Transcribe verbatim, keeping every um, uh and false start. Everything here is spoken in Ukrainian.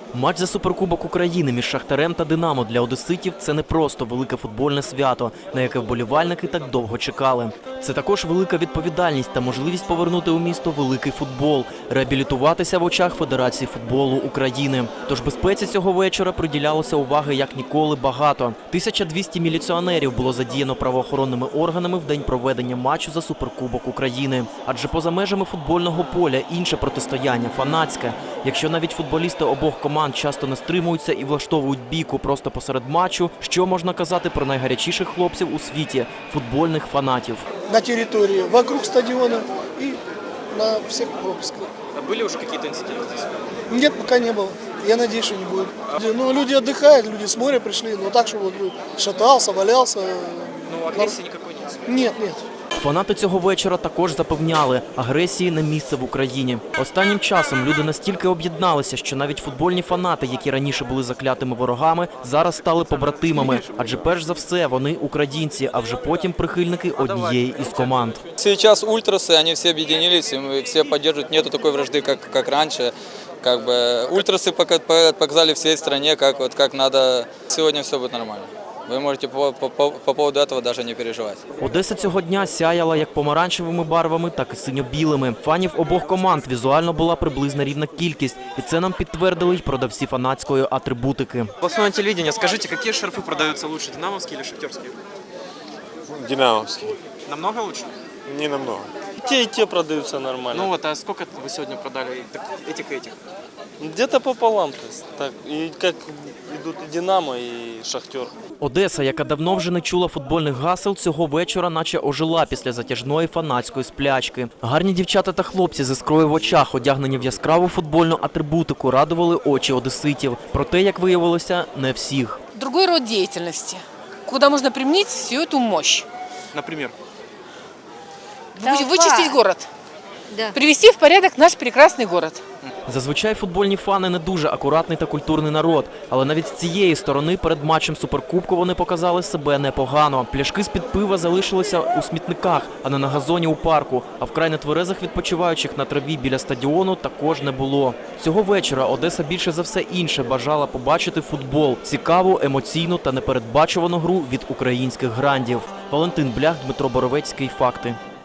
Матч за Суперкубок України між Шахтарем та Динамо для одеситів – це не просто велике футбольне свято, на яке вболівальники так довго чекали. Це також велика відповідальність та можливість повернути у місто великий футбол, реабілітуватися в очах Федерації футболу України. Тож безпеці цього вечора приділялося уваги як ніколи багато. тисяча двісті міліціонерів було задіяно правоохоронними органами в день проведення матчу за Суперкубок України. Адже поза межами футбольного поля інше протистояння – фанатське. Якщо навіть футболісти обох команд часто не стримуються і влаштовують бійку просто посеред матчу, що можна казати про найгарячіших хлопців у світі – футбольних фанатів. На території, вокруг стадіону і на всіх пропусках. А были уже какие-то инциденты здесь? Нет, пока не было. Я надеюсь, что не будет. Ну, люди отдыхают, люди с моря пришли, но так, что вот шатался, валялся. Ну, агрессии никакой нет? Нет, нет. Фанати цього вечора також запевняли – агресії не місце в Україні. Останнім часом люди настільки об'єдналися, що навіть футбольні фанати, які раніше були заклятими ворогами, зараз стали побратимами. Адже перш за все вони українці, а вже потім прихильники однієї із команд. Сейчас ультрасы, они все объединились, и все поддерживают. Нету такой вражды, как, как раньше. Как бы ультрасы показали всей стране, как, вот, как надо. Сегодня все будет нормально. Ви можете по, по, по поводу этого даже не переживати. Одеса цього дня сяяла як помаранчевими барвами, так і синьо-білими. Фанів обох команд візуально була приблизна рівна кількість. І це нам підтвердили й продавці фанатської атрибутики. Областное телевидение, скажите, какие шарфы продаются лучше, динамовские или шахтерские? Динамовский. Намного лучше? Не намного. Те и те продаются нормально. Ну вот, а сколько вы сегодня продали этих и этих? Где-то пополам. То есть, так, и как идут и Динамо, и Шахтер. Одеса, яка давно вже не чула футбольних гасел, цього вечора наче ожила після затяжної фанатської сплячки. Гарні дівчата та хлопці з іскрою в очах, одягнені в яскраву футбольну атрибутику, радували очі одеситів. Проте, як виявилося, не всіх. Другой род деятельности, куда можно применить всю эту мощь. Например? Вычистить город. Да. Привести в порядок наш прекрасный город. Зазвичай футбольні фани не дуже акуратний та культурний народ, але навіть з цієї сторони перед матчем Суперкубку вони показали себе непогано. Пляшки з-під пива залишилися у смітниках, а не на газоні у парку, а вкрай нетверезих відпочиваючих на траві біля стадіону також не було. Цього вечора Одеса більше за все інше бажала побачити футбол – цікаву, емоційну та непередбачувану гру від українських грандів. Валентин Блях, Дмитро Боровецький. Факти.